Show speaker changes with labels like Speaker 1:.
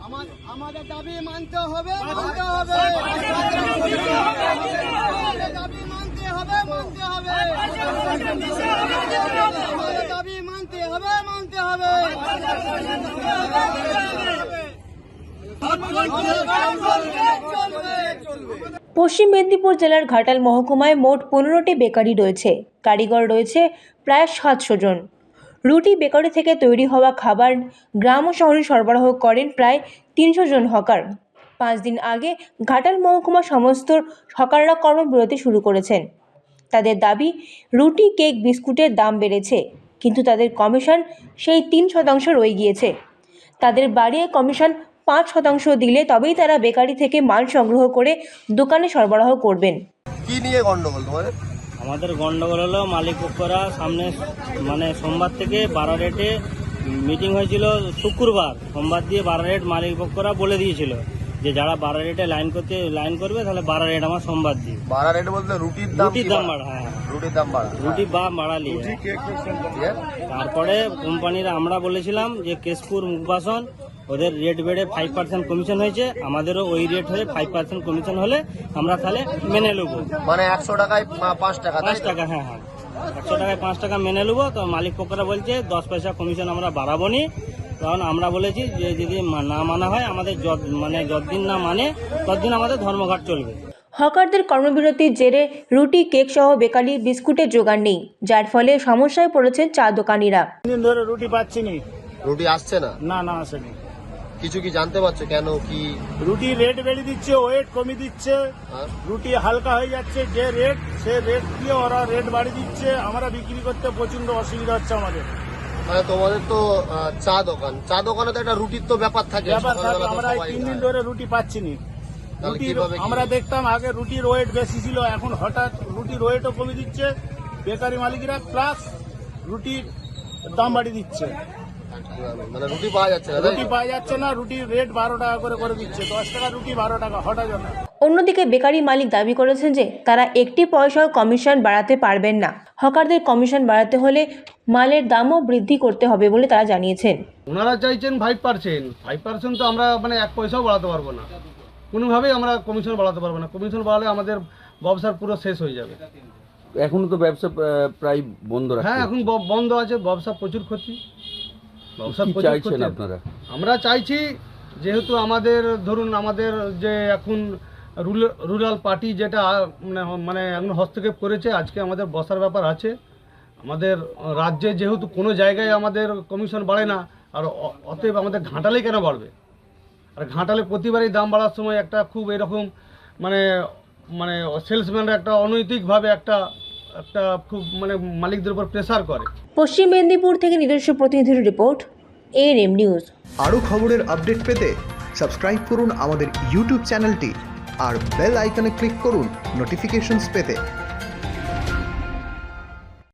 Speaker 1: আমাদের দাবি মানতে হবে, মানতে হবে, দাবি মানতে হবে, মানতে হবে, দাবি মানতে হবে, মানতে হবে।
Speaker 2: পশ্চিম মেদিনীপুর জেলার ঘাটাল মহকুমায় মোট 15টি বেকারি রয়েছে। কারিগর রয়েছে প্রায় 700 জন। রুটি বেকারি থেকে তৈরি হওয়া খাবার গ্রাম ও শহরে সরবরাহ করেন প্রায় 300 জন হকার। 5 দিন আগে ঘাটাল মহকুমা সমস্ত হকাররা কর্মবিরতি শুরু করেছেন। তাদের দাবি, রুটি, কেক, বিস্কুটের দাম বেড়েছে, কিন্তু তাদের কমিশন সেই 3% রয়ে গিয়েছে। তাদের বাড়িয়ে কমিশন 5% দিলে তবেই তারা বেকারি থেকে মাল সংগ্রহ করে দোকানে সরবরাহ করবেন।
Speaker 3: কি নিয়ে গন্ডগোল তোমাদের?
Speaker 4: আমাদের গন্ডগোল হলো মালিক পক্ষরা সামনে সোমবার থেকে 12 রেটে মিটিং হয়েছিল শুক্রবার। সোমবার দিয়ে 12 রেট মালিক পক্ষরা বলে দিয়েছিল যে যারা 12 রেটে লাইন করবে তাহলে 12 রেট আমার সোমবার দিয়ে।
Speaker 3: 12 রেট বলতে রুটির দাম
Speaker 4: বাড়া। হ্যাঁ,
Speaker 3: রুটির দাম বাড়া,
Speaker 4: রুটি বা বাড়ালি। তারপরে কোম্পানিরা আমরা বলেছিলাম যে কেশপুর মুখবাসন ওদের রেট বেড়ে 5% কমিশন হয়েছে, আমাদেরও ওই রেট হয়ে 5% কমিশন হলে আমরা তাহলে মেনে নেবো।
Speaker 3: মানে 100 টাকায় 5 টাকা।
Speaker 4: 5 টাকা, হ্যাঁ হ্যাঁ, 100 টাকায় 5 টাকা মেনে নেবো। তো মালিক পক্ষরা বলছে 10 পয়সা কমিশন আমরা বাড়াবো নি। কারণ আমরা বলেছি যে যদি না মানা হয়, আমাদের যতদিন না মানে ততদিন আমাদের ধর্মঘট চলবে।
Speaker 2: হকারদের কর্মবিরতির জেরে রুটি, কেক সহ বেকারি বিস্কুটের জোগান নেই, যার ফলে সমস্যায় পড়েছেন চা দোকানিরা।
Speaker 5: 3 দিন ধরে রুটি পাচ্ছি নি।
Speaker 3: রুটি আসছে না?
Speaker 5: না আসেনি।
Speaker 3: কিছু কি জানতে পারছো কেন কি?
Speaker 5: রুটি রেট বেড়ে দিচ্ছে, ওয়েট কমিয়ে দিচ্ছে, রুটি হালকা হয়ে যাচ্ছে। যে রেট সে রেট দিয়ে ওরা রেট বাড়িয়ে দিচ্ছে। আমরা বিক্রি করতে প্রচন্ড অসুবিধা হচ্ছে আমাদের।
Speaker 3: মানে তোমাদের তো চা দোকানে তো একটা রুটির তো ব্যাপার থাকে।
Speaker 5: আমরা 3 দিন ধরে রুটি পাচ্ছি নি। আমরা দেখতাম আগে রুটির ওয়েট বেশি ছিল, এখন হঠাৎ রুটির ওয়েটও কমিয়ে দিচ্ছে বেকারি মালিকরা, প্লাস রুটির দাম বাড়িয়ে দিচ্ছে।
Speaker 3: মানে রুটি পাওয়া যাচ্ছে না,
Speaker 5: রুটির রেট 12 টাকা করে দিচ্ছে। 10 টাকা রুটি, 12 টাকা হঠাৎ না।
Speaker 2: অন্যদিকে বেকারি মালিক দাবি করেছেন যে তারা একটি পয়সাও কমিশন বাড়াতে পারবেন না। হকারদের কমিশন বাড়াতে হলে মালের দামও বৃদ্ধি করতে হবে বলে তারা জানিয়েছেন।
Speaker 6: ওনারা চাইছেন 5%। তো আমরা 1 পয়সাও বাড়াতে পারবো না, কোনোভাবেই আমরা কমিশন বাড়াতে পারবো না। কমিশন বাড়ালে আমাদের ব্যবসার পুরো শেষ হয়ে যাবে।
Speaker 7: এখনো তো ব্যবসা প্রায় বন্ধ রাখছে।
Speaker 6: হ্যাঁ, এখন বন্ধ আছে, ব্যবসা প্রচুর ক্ষতি।
Speaker 7: চাইছেন আপনারা?
Speaker 6: আমরা চাইছি, যেহেতু আমাদের ধরুন আমাদের যে এখন রুরাল পার্টি যেটা মানে এখন হস্তক্ষেপ করেছে, আজকে আমাদের বসার ব্যাপার আছে। আমাদের রাজ্যে যেহেতু কোনো জায়গায় আমাদের কমিশন বাড়ে না, আর অতএব আমাদের ঘাটালে কেন বাড়বে? আর ঘাটালে প্রতিবারই দাম বাড়ার সময় একটা খুব এরকম মানে সেলসম্যানরা একটা অনৈতিকভাবে একটা খুব মালিকদের উপর প্রেসার করে।
Speaker 2: পশ্চিম মেদিনীপুর থেকে নিজস্ব প্রতিনিধির রিপোর্ট, ANM নিউজ।
Speaker 8: আরও খবরের আপডেট পেতে সাবস্ক্রাইব করুন আমাদের ইউটিউব চ্যানেলটি আর বেল আইকনে ক্লিক করুন নোটিফিকেশনস পেতে।